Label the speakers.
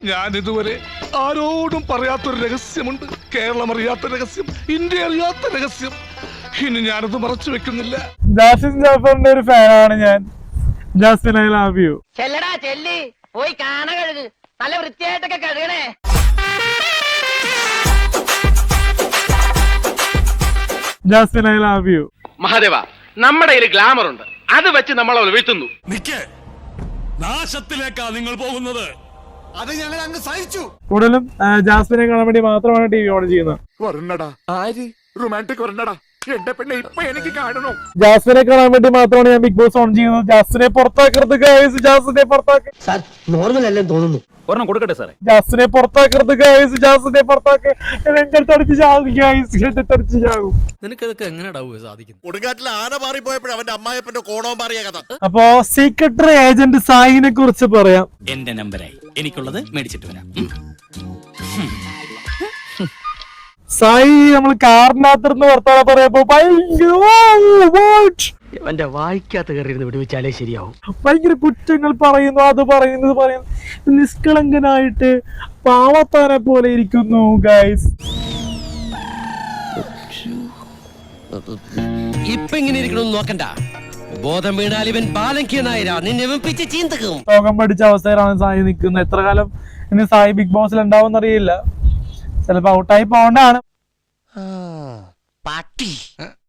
Speaker 1: ഞാൻ ഇതുവരെ ആരോടും പറയാത്തൊരു രഹസ്യമുണ്ട്. കേരളം അറിയാത്ത രഹസ്യം, ഇന്ത്യ അറിയാത്ത രഹസ്യം. ഇനി ഞാനത് മറച്ചു വെക്കുന്നില്ല.
Speaker 2: ജാസ്മിൻ ജാഫറിന്റെ ഒരു ഫാനാണ് ഞാൻ. Jasmine, I love you.
Speaker 3: ചെല്ലടാ ചെല്ലി, പോയി കാണ കഴുകു, നല്ല വൃത്തിയായിട്ടൊക്കെ കഴുകണേ.
Speaker 2: Jasmine, I love you.
Speaker 4: Mahadeva, നമ്മുടെ ഒരു ഗ്ലാമർ ഉണ്ട്, അത് വെച്ച് നമ്മൾ അവൾ വീഴ്ത്തുന്നു.
Speaker 5: നാശത്തിലേക്കാ നിങ്ങൾ പോകുന്നത്. അത് ഞങ്ങൾ അങ്ങ് സഹിച്ചു.
Speaker 2: കൂടുതലും ജാസ്മിനെ കാണാൻ വേണ്ടി മാത്രമാണ് ടി വി ഓൺ ചെയ്യുന്നത്.
Speaker 5: റൊമാൻറ്റിക് വരണ്ടടാ എന്റെ പെണ്ണെ, ഇപ്പൊ എനിക്ക് കാണണം.
Speaker 2: ജാസ്മിനെ കാണാൻ വേണ്ടി മാത്രമാണ് ഞാൻ ബിഗ് ബോസ് ഓൺ ചെയ്യുന്നത്. ജാസ്മിനെ പുറത്താക്കരുത് ഗൈസ്, ജാസ്മിനെ പുറത്താക്ക്.
Speaker 3: നോർമൽ അല്ലെന്ന് തോന്നുന്നു.
Speaker 6: ഒരെണ്ണം കൊടുക്കട്ടെ സാറേ.
Speaker 2: ജാസ്മിനെ പുറത്താക്കരുത് ഗൈസ്, ജാസ്മിനെ പുറത്താക്ക്. എന്റെ അടുത്തടിച്ച് ചാകും ഗൈസ്, എന്റെ അടുത്തടിച്ച് ചാകും.
Speaker 6: നിനക്കതൊക്കെ എങ്ങനെയാ സാധിക്കുന്നത്?
Speaker 5: കൊടുങ്കാറ്റിൽ ആന മാറി പോയപ്പോഴും അവന്റെ അമ്മായപ്പന്റെ കോണവും മാറിയ കഥ.
Speaker 2: അപ്പോ സീക്രട്ടറി ഏജന്റ് സായിനെ കുറിച്ച് പറയാം.
Speaker 6: എന്റെ നമ്പരായി, എനിക്കുള്ളത് മേടിച്ചിട്ട് വരാം.
Speaker 2: സായി നമ്മൾ കാറിനകത്തിരുന്ന് വർത്താനം പറയപ്പോ
Speaker 3: എന്റെ വായിക്കാത്ത കയറിയിരുന്ന് വിടുവിച്ചാലേ ശരിയാവും.
Speaker 2: ഭയങ്കര കുറ്റങ്ങൾ പറയുന്നു, അത് പറയുന്നു, ഇത് പറയുന്നു. നിഷ്കളങ്കനായിട്ട് പാവത്താനെ പോലെ ഇരിക്കുന്നു ഗൈസ്.
Speaker 7: ഇപ്പൊ ഇങ്ങനെ ഇരിക്കണമെന്ന് നോക്കണ്ട. ബോധം വീണാൽ ഇവൻ ബാലങ്കിയ നായരാ, നിന്നെ വെപ്പിച്ച് ചീന്തക്കും.
Speaker 2: രോഗം പഠിച്ച അവസ്ഥയിലാണ് സായി നിൽക്കുന്നത്. എത്ര കാലം ഇനി സായി ബിഗ് ബോസിൽ ഉണ്ടാവും അറിയില്ല. ചിലപ്പോ ഔട്ടായി പോകണ്ടാണ്.
Speaker 7: പട്ടി